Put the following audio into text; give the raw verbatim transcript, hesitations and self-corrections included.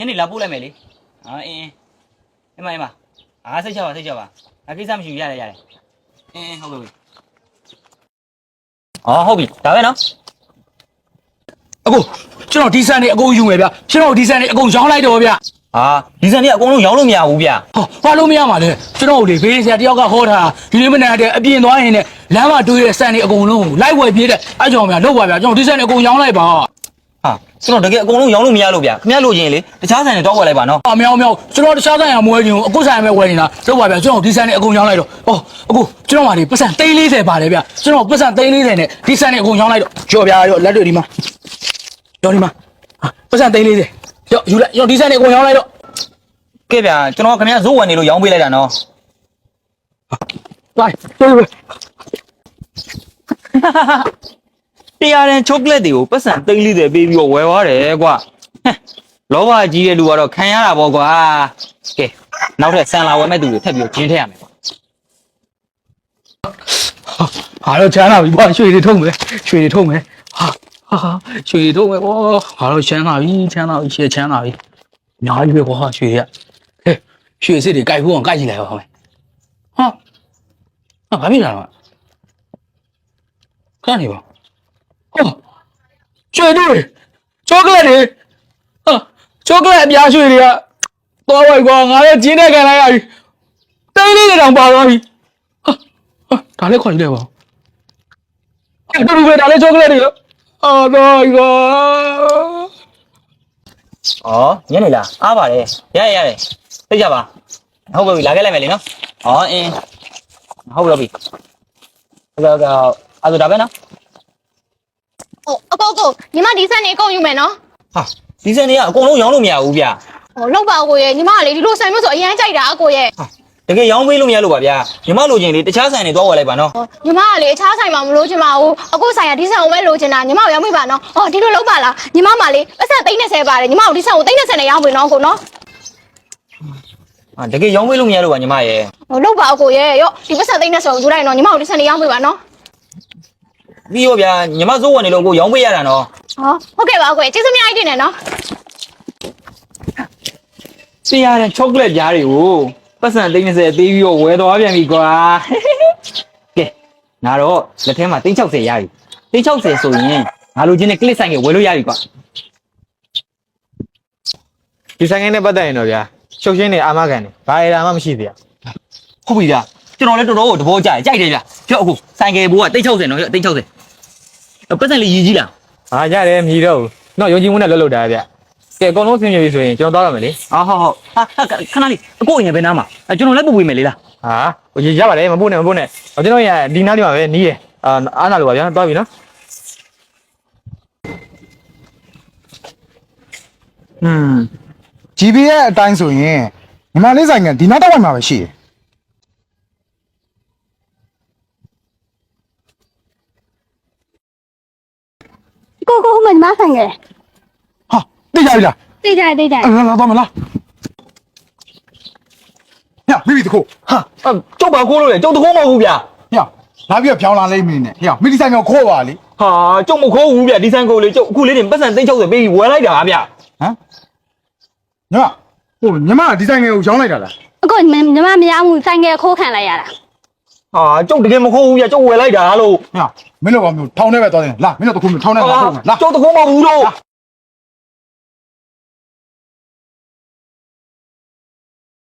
ညနေလာပို့လိုက်မယ်လေဟာအင်းအင်းအမအင်းမအားစိတ်ချပါစိတ်ချပါအကိစ္စမရှိဘူးရတယ်ရတယ်အင်းဟုတ်ပြီအော်ဟုတ်ပြီဒါပဲနော်အကိုကျွန်တော်ဒီဆန်နေအကုန်ယူမယ်ဗျကျွန်တော်ဒီဆန်နေအကုန်ရောင်းလိုက်တော့ဗျဟာဒီစံကြီးအကုန်လုံးရောင်းလို့မရဘူးဗျဟောဘာလို့မရမှာလဲကျွန်တော်လေဘေးဆရာတယောက်ကဟောတာဒီလေးမနက်တည်းအပြင်သွားရင်လည်းလမ်းမှာတွေးတဲ့ဆန်နေအကုန်လုံးလိုက်ဝယ်ပြေးတဲ့အဲ့ကြောင့်ဗျလောက်ပါဗျကျွန်တော်ဒီဆန်နေအကုန်ရောင်းလိုက်ပါဟာကျွန်တော်တကယ်အကုန်လုံးရောင်းလို့မရလို့ဗျခင်ဗျားလိုချင်လေတခြားဆိုင်တွေတော့ဝယ်လိုက်ပါနော်အမြောင်မြောင်ကျွန်တော်တခြားဆိုင်ရမဝယ်ခြင်းအခုဆိုင်ပဲဝယ်နေတာလောက်ပါဗျကျွန်တော်ဒီဆန်နေအကုန်ရောင်းလိုက်တော့ဟောအခုကျွန်တော်မှဒီပတ်စံသိန်း၄၀ပါတယ်ဗျကျွန်တော်ပတ်စံသိန်း၄၀နဲ့ဒီဆန်နေအကုန်ရောင်းလိုက်တော့ကြော်ဗျာရောလက်တွေဒီမှာရောဒီမှာပတ်စံသိန်း၄၀ရောယူလိုက်ရောဒီဆန်နေအကုန်ရောင်းလိုက်တော့ကဲဗျာကျွန်တော်ခင်ဗျားဇိုးဝယ်နေလို့ရောင်းပေးလိုက်တာနော်လိုက်တွေ့ပဲတရားရင်ချိုကလက်တွေကိုပတ်စံသိန်းလေးတွေပေးပြီးတော့ဝယ်သွားတယ်ကွာလောဘကြီးတဲ့လူကတော့ခံရတာပေါ့ကွာကဲနောက်ထပ်ဆန်လာဝယ်မဲ့သူတွေထပ်ပြီးတော့ဂျင်းထည့်ရမယ်ကွာဟာတော့ချမ်းသာပြီကွာရွှေတွေထုံးမယ်ရွှေတွေထုံးမယ်ဟာဟာရွှေတွေထုံးမယ်ကွာဟာတော့ချမ်းသာပြီချမ်းသာပြီရှေ့ချမ်းသာပြီအများကြီးပဲကွာရွှေတွေကဟဲ့ရွှေစစ်တွေကြိုက်ဖို့အောင်ကြိုက်ကြည့်လိုက်ပါဦးဟာဟာဘာဖြစ်လာတော့ခဏနေပါဟောရွှေတွေချောကလက်တွေဟာချောကလက်အပြားရွှေတွေကသွားပါကွာငါလည်းကျင်းတဲ့ခံလိုက်ရပြီတိတ်လေးတွေတောင်ပါသွားပြီဟာဟာဒါလည်းခွန်ကြည့်လိုက်ပါအဲ့တူတူပဲဒါလည်းချောကလက်တွေလို့အော်တော့ကွာဩညနေလားအားပါတယ်ရရရတယ်သိကြပါဟုတ်ပြီလာခဲ့လိုက်မယ်လေနော်ဩအင်းဟုတ်ပြီဟုတ်ပြီဟုတ်ကဲ့ဟုတ်အဲ့ဒါဒါပဲနော်哦，阿哥哥，你妈第三年够用没喏？ ဟာဒီစံတွေကအကုန်လုံးရောင်းလို့မရဘူးဗျ哦，老爸哥耶，你妈嘞，你路上没做，一样在的阿哥耶。 ဟာတကယ်ရောင်းပေးလို့မရလို့ပါဗျာညီမလိုချင်လေတခြားဆိုင်တွေတော့ဝယ်လိုက်ပါနော်哦，你妈嘞，茶菜嘛，唔路去嘛，我阿哥ဆိုင်ရဒီဆိုင်我没路去呐，你妈要没办喏？哦，ဒီလိုလောက်ပါလားညီမမလေးပတ်စံသိန်းနဲ့ဆယ်ပါတယ်ညီမတို့ဒီဆိုင်ကိုသိန်းနဲ့ဆယ်နဲ့ရောင်းပေးနော်ကိုနော်ဟာတကယ်ရောင်းပေးလို့မရလို့ပါညီမရဲ့ဟိုလောက်ပါအကိုရဲ့ရောဒီပတ်စံသိန်းနဲ့ဆယ်ကိုယူလိုက်နော်ညီမတို့ဒီဆိုင်နဲ့ရောင်းပေးပါနော်ပြီးရောဗျာညီမစိုးဝင်နေလို့ကိုရောင်းပေးရတာနော်ဟောဟုတ်ကဲ့ပါအကိုကျေးဇူးအများကြီးတင်တယ်နော်စီရတဲ့ချောကလက်ကြားတွေကိုပတ်စံသိန်း30သေးပြီးတော့ဝယ်သွားပြန်ပြီကွာကဲနာတော့လက်ထဲမှာသိန်း60ရပြီသိန်း60ဆိုရင်ငါလိုချင်တဲ့ကလစ်ဆိုင်ကိုဝယ်လို့ရပြီကွာဒီဆိုင်ငယ်နဲ့ပတ်သက်ရင်တော့ဗျာရှုပ်ရှင်းနေအာမခံနေဘာအရာမှမရှိသေးရဟုတ်ပြီဗျာကျွန်တော်လည်းတော်တော်ကိုသဘောကျတယ်ကြိုက်တယ်ဗျာပြောအခုဆိုင်ကယ်ဘိုးကသိန်း60နော်သိန်း60ပတ်စံလေးရည်ကြီးလားဟာရတယ်မြည်တော့ဘူးတော့ယုံကြည်မှုနဲ့လွတ်လွတ်တာဗျကဲအကုန်လုံးဆင်ပြေပြီဆိုရင်ကျွန်တော်သွားရမယ်လေဟာဟုတ်ဟုတ်ဟာခဏလေးအကိုအရင်ပဲနားမှာကျွန်တော်လည်းပို့ပေးမယ်လေလားဟာဟိုရပါတယ်မပို့နဲ့မပို့နဲ့ကျွန်တော်ရဒီနားလေးမှာပဲနီးတယ်အာအားနာလို့ပါဗျာသွားပြီနော်อืม ဂျီ ပီ ရဲ့အတိုင်းဆိုရင်ညီမလေးဆိုင်ကဒီနောက်တော့ဝိုင်မှာပဲရှိတယ်ကိုကိုမမဆိုင်ရဲ့ဟာသိကြပြီလားသိကြသိကြလာလာတော့မလားညမိမိတခုဟာကျုပ်ပါခိုးလို့လေကျုပ်တခိုးမဟုတ်ဘူးဗျာညလာပြီးတော့ဖြောင်းလာလိမ့်မင်းနဲ့ညမိဒီဆိုင်ကခိုးပါလေဟာကျုပ်မခိုးဘူးဗျာဒီဆိုင်ကိုလေကျုပ်အခုလေးတင်ပတ်စံသိန်း60ပေးပြီးဝယ်လိုက်တာဗျာဟမ်ညဟိုညီမဒီဆိုင်ကိုရောင်းလိုက်တာလားအကိုညီမမရမှုဆိုင်ကခိုးခံလိုက်ရတာဟာကျုပ်တကယ်မခိုးဘူးဗျာကျုပ်ဝယ်လိုက်တာလို့ညမင်းတို့ကမျိုးထောင်းထဲပဲသွားတယ်လာမင်းတို့တခုမျိုးထောင်းထဲမှာထုတ်မယ်လာကျုပ်တခိုးမဟုတ်ဘူးလို့